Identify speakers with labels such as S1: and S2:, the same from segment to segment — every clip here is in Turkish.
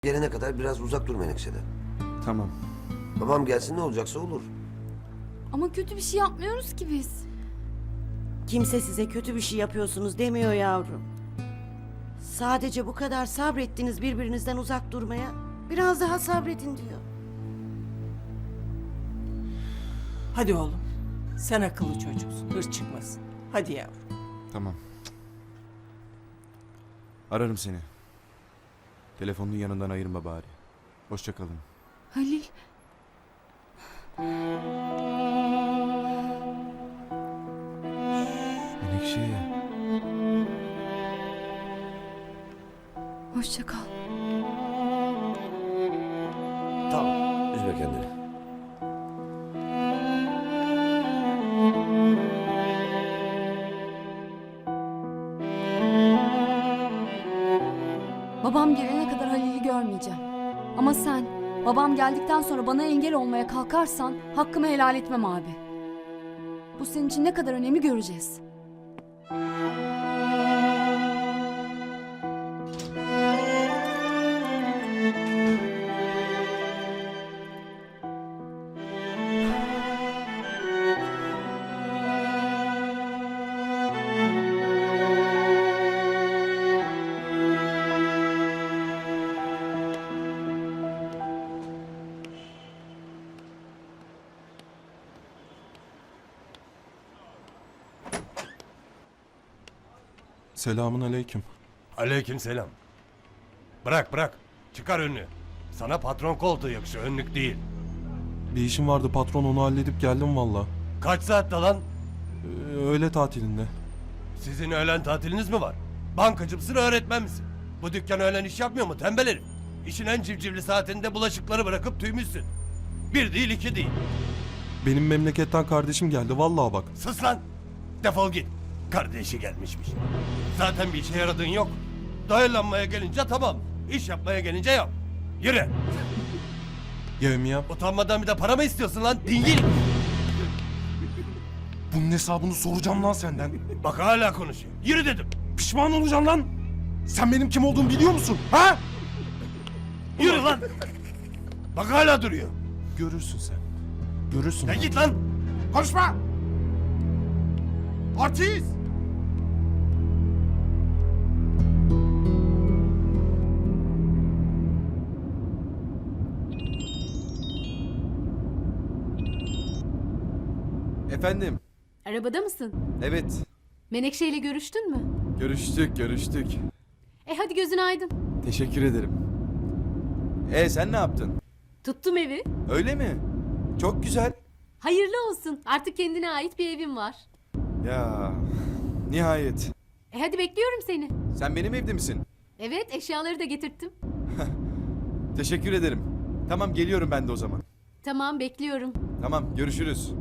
S1: Gelene kadar biraz uzak dur Menekşe'den.
S2: Tamam.
S1: Babam gelsin ne olacaksa olur.
S3: Ama kötü bir şey yapmıyoruz ki biz.
S4: Kimse size kötü bir şey yapıyorsunuz demiyor yavrum. Sadece bu kadar sabrettiniz birbirinizden uzak durmaya. Biraz daha sabredin diyor.
S5: Hadi oğlum. Sen akıllı çocuksun. Hırs çıkmasın. Hadi yavrum.
S2: Tamam. Ararım seni. Telefonun yanından ayırma bari. Hoşça kalın.
S3: Halil.
S2: Menekşe.
S3: Hoşça kal.
S1: Tamam, üzme kendini.
S3: Babam gelene kadar Halil'i görmeyeceğim. Ama sen babam geldikten sonra bana engel olmaya kalkarsan hakkımı helal etmem abi. Bu senin için ne kadar önemli göreceğiz.
S6: Selamun aleyküm.
S7: Aleykümselam. Bırak bırak. Çıkar önünü. Sana patron koltuğu yakışıyor, önlük değil.
S6: Bir işim vardı patron, onu halledip geldim valla.
S7: Kaç saatte lan?
S6: Öğle tatilinde.
S7: Sizin öğlen tatiliniz mi var? Bankacı mısın, öğretmen misin? Bu dükkan öğlen iş yapmıyor mu tembel herif? İşin en civcivli saatinde bulaşıkları bırakıp tüymüşsün. Bir değil iki değil.
S6: Benim memleketten kardeşim geldi vallahi bak.
S7: Sus lan! Defol git. Kardeşi gelmişmiş. Zaten bir işe yaradığın yok. Dayanlanmaya gelince tamam. İş yapmaya gelince yok. Yürü.
S6: Yevmiyem.
S7: Utanmadan bir de para mı istiyorsun lan? Dingil.
S6: Bunun hesabını soracağım lan senden.
S7: Bak hala konuşuyor. Yürü dedim.
S6: Pişman olacaksın lan. Sen benim kim olduğumu biliyor musun? Ha?
S7: Yürü lan. Bak hala duruyor.
S6: Görürsün sen. Görürsün.
S7: Ya
S6: lan.
S7: git lan.
S6: Konuşma. Artist.
S2: Efendim.
S8: Arabada mısın?
S2: Evet.
S8: Menekşe ile görüştün mü?
S2: Görüştük.
S8: Hadi gözün aydın.
S2: Teşekkür ederim. Sen ne yaptın?
S8: Tuttum evi.
S2: Öyle mi? Çok güzel.
S8: Hayırlı olsun. Artık kendine ait bir evin var.
S2: Ya nihayet.
S8: Hadi bekliyorum seni.
S2: Sen benim evde misin?
S8: Evet, eşyaları da getirttim.
S2: Teşekkür ederim. Tamam, geliyorum ben de o zaman.
S8: Tamam, bekliyorum.
S2: Tamam, görüşürüz.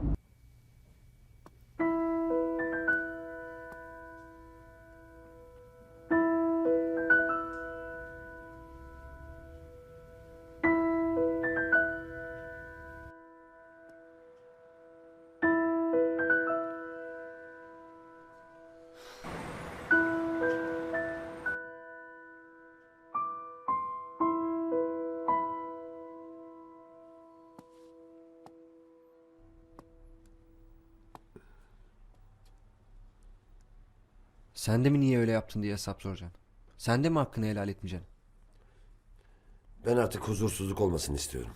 S9: Sen de mi niye öyle yaptın diye hesap soracaksın? Sen de mi hakkını helal etmeyeceksin?
S1: Ben artık huzursuzluk olmasını istiyorum.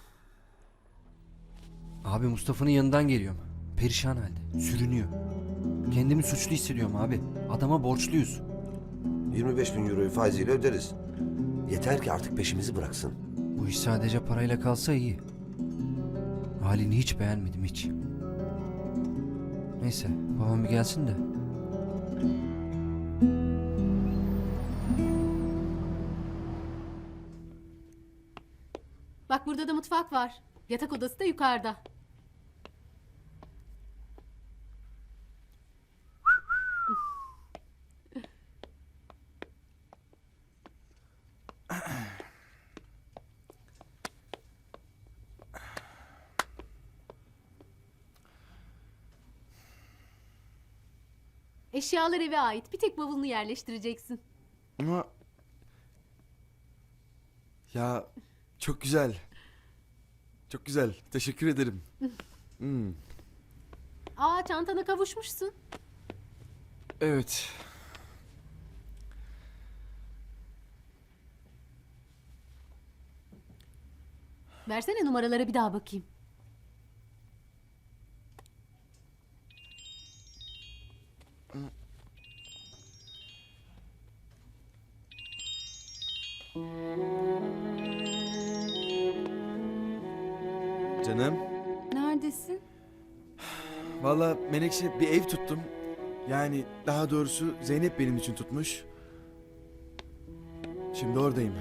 S9: Abi Mustafa'nın yanından geliyorum. Perişan halde. Sürünüyor. Kendimi suçlu hissediyorum abi. Adama borçluyuz.
S1: 25 bin euroyu faiziyle öderiz. Yeter ki artık peşimizi bıraksın.
S9: Bu iş sadece parayla kalsa iyi. Halini hiç beğenmedim hiç. Neyse babam bir gelsin de.
S8: Bak burada da mutfak var. Yatak odası da yukarıda. Eşyalar eve ait. Bir tek bavulunu yerleştireceksin.
S2: Ama Ya çok güzel. Çok güzel. Teşekkür ederim.
S8: Aa, çantana kavuşmuşsun.
S2: Evet.
S8: Versene numaralara bir daha bakayım.
S2: Canım.
S3: Neredesin?
S2: Valla Menekşe bir ev tuttum. Yani daha doğrusu Zeynep benim için tutmuş. Şimdi oradayım.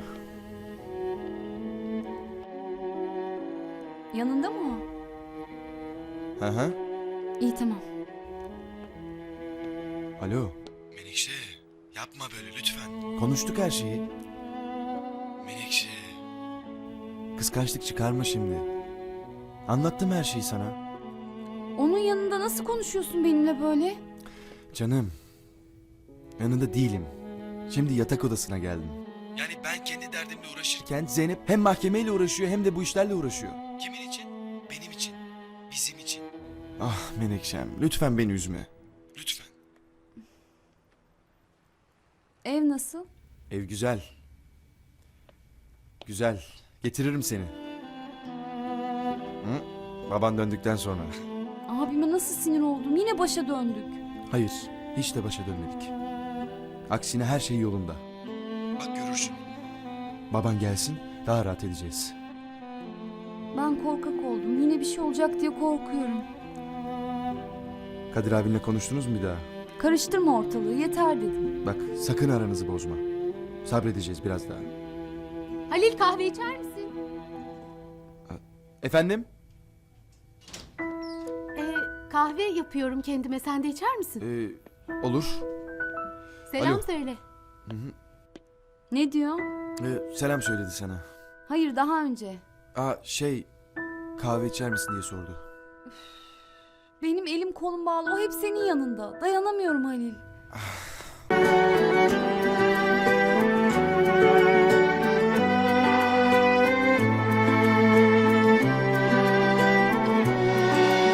S3: Yanında mı o?
S2: Hı hı.
S3: İyi tamam.
S2: Alo. Menekşe yapma böyle lütfen. Konuştuk her şeyi. Menekşe. Kıskançlık çıkarma şimdi. Anlattım her şeyi sana.
S3: Onun yanında nasıl konuşuyorsun benimle böyle?
S2: Canım. Yanında değilim. Şimdi yatak odasına geldim. Yani ben kendi derdimle uğraşırken Zeynep hem mahkemeyle uğraşıyor hem de bu işlerle uğraşıyor. Kimin için? Benim için. Bizim için. Ah Menekşem lütfen beni üzme. Lütfen.
S3: Ev nasıl?
S2: Ev güzel. Güzel. Getiririm seni. Hı? Baban döndükten sonra.
S3: Abime nasıl sinir oldum? Yine başa döndük.
S2: Hayır, hiç de başa dönmedik. Aksine her şey yolunda. Bak görürsün. Baban gelsin, daha rahat edeceğiz.
S3: Ben korkak oldum. Yine bir şey olacak diye korkuyorum.
S2: Kadir abinle konuştunuz mu bir daha?
S3: Karıştırma ortalığı yeter dedim.
S2: Bak sakın aranızı bozma. Sabredeceğiz biraz daha.
S8: Halil, kahve içer misin?
S2: Efendim?
S8: Kahve yapıyorum kendime. Sen de içer misin?
S2: Olur.
S8: Selam
S2: alo.
S8: söyle.
S3: Ne diyor?
S2: Selam söyledi sana.
S3: Hayır daha önce.
S2: Kahve içer misin diye sordu.
S3: Benim elim kolum bağlı. O hep senin yanında. Dayanamıyorum Halil.